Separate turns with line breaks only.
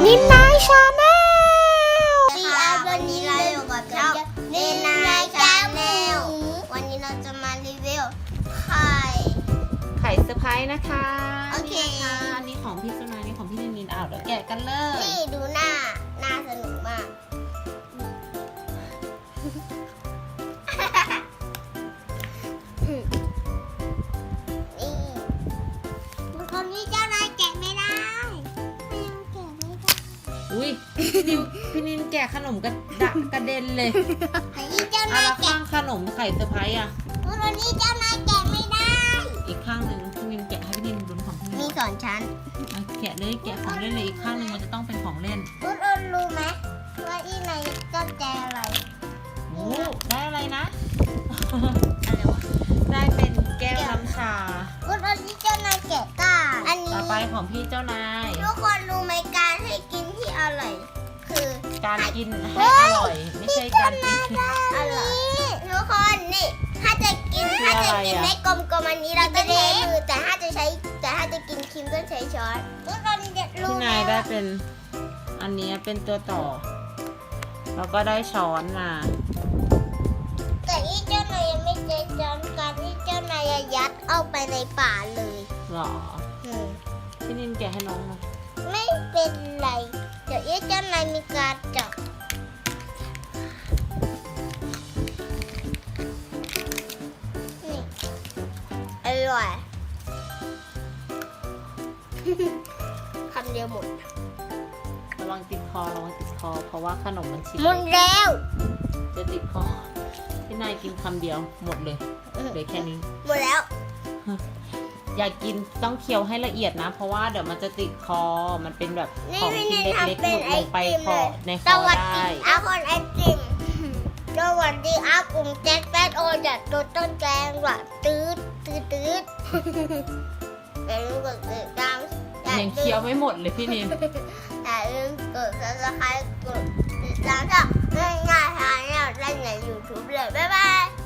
นินนายชาแนล
วันนี้เราอยู่กับเจ้านินนายชาแนลวันนี้เราจะมารีวิวไข่
เซอร์ไพรส์นะคะ
โอเค
นี่นะคะอันนี้ของพี่สุนายนี่ของพี่นินเดี๋ยวแกะกันเลย
นี่ดูหน้าสนุกมากนี่คนนี้เจ้านายแกะไม่ได้แกะไม่ได้
อุ้ยพี่นินแกะขนมกระเด็นเลย
คนนี้เจ้า
อ่ะ
นาย
แล้ว
แกะ
ข้างขนมไข่เซอร์ไพรส์อ่ะ
คนนี้เจ้านายแกะไม่ได้
อีกข้างหนึ่งพี่นินแกะให้พี่นินลุ้นของพี่นิ
มี
น
สอนชั้น
อ่ะแกะเลยแกะของเล่นเลยอีกข้างหนึ่งมันจะต้องเป็นของเล่น
คุณรู้ไหมว่าที่ในต้นแจอะไร
โอ้ได้อะไรนะ
อะไรวะ
ได้เป็นแก้วน้ำชา
คุณที่เจ้านายแกะก้าอันนี้
ต่อไปของพี่เจ้านาย
ทุกคนรู้ไหมการให้กินที่อร่อยคือ
การกินให้อร่อยไม่ใช่การกินที่
อร่อยทุกคนนี่ถ้าจะกิน
คืออะไรอะ
ให้กลมๆอันนี้เราต้องใช้มือแต่ถ้าจะกินครีมต้องใช้ช้อนทุกคนจะรู้
พี่
ไหม
นายได้
ว่า
เป็นอันนี้เป็นตัวต่อแล้วก็ได้ช้อนมา
แต่ที่เจ้านายยังไม่ใช้ช้อนการที่เจ้านายยัดเอาไปในป่าเลย
หรอพี่นินแกะให้น้องมา
ไม่เป็นไรเดี๋ยวเจ้านายมีการจับนี่อร่อย คำเดียวหมด
ระวังติดคอเพราะว่าขนมมันชิ้น
หมดแล้ว
จะติดคอพี่นายกินคำเดียวหมดเลยเหลือแค่นี้
หมดแล้ว
อยากกินต้องเคี้ยวให้ละเอียดนะ เพราะว่าเดี๋ยวมันจะติดคอมันเป็นแบบ
นี่
ของ
พี่
ชิ้น
นิน
เล็ก
ทำ
ๆห
เป็น
ลุดลงไป
ไอติม
คอ
เลย
ในค
ส
อ
วัส
ได้
ดีอาคนไอติมสวัสดีอาผมแจ็คแป๊ดโอจัดตัวต้นแกงว่ะตืดอย่าลืมกดติดตาม
ยังเคี้ยวไม่หมดเลยพี่นิน
อย่าลืมกด subscribe กดติดตามช่องง่ายๆทางแนวได้ใน YouTube เลยบ๊ายบาย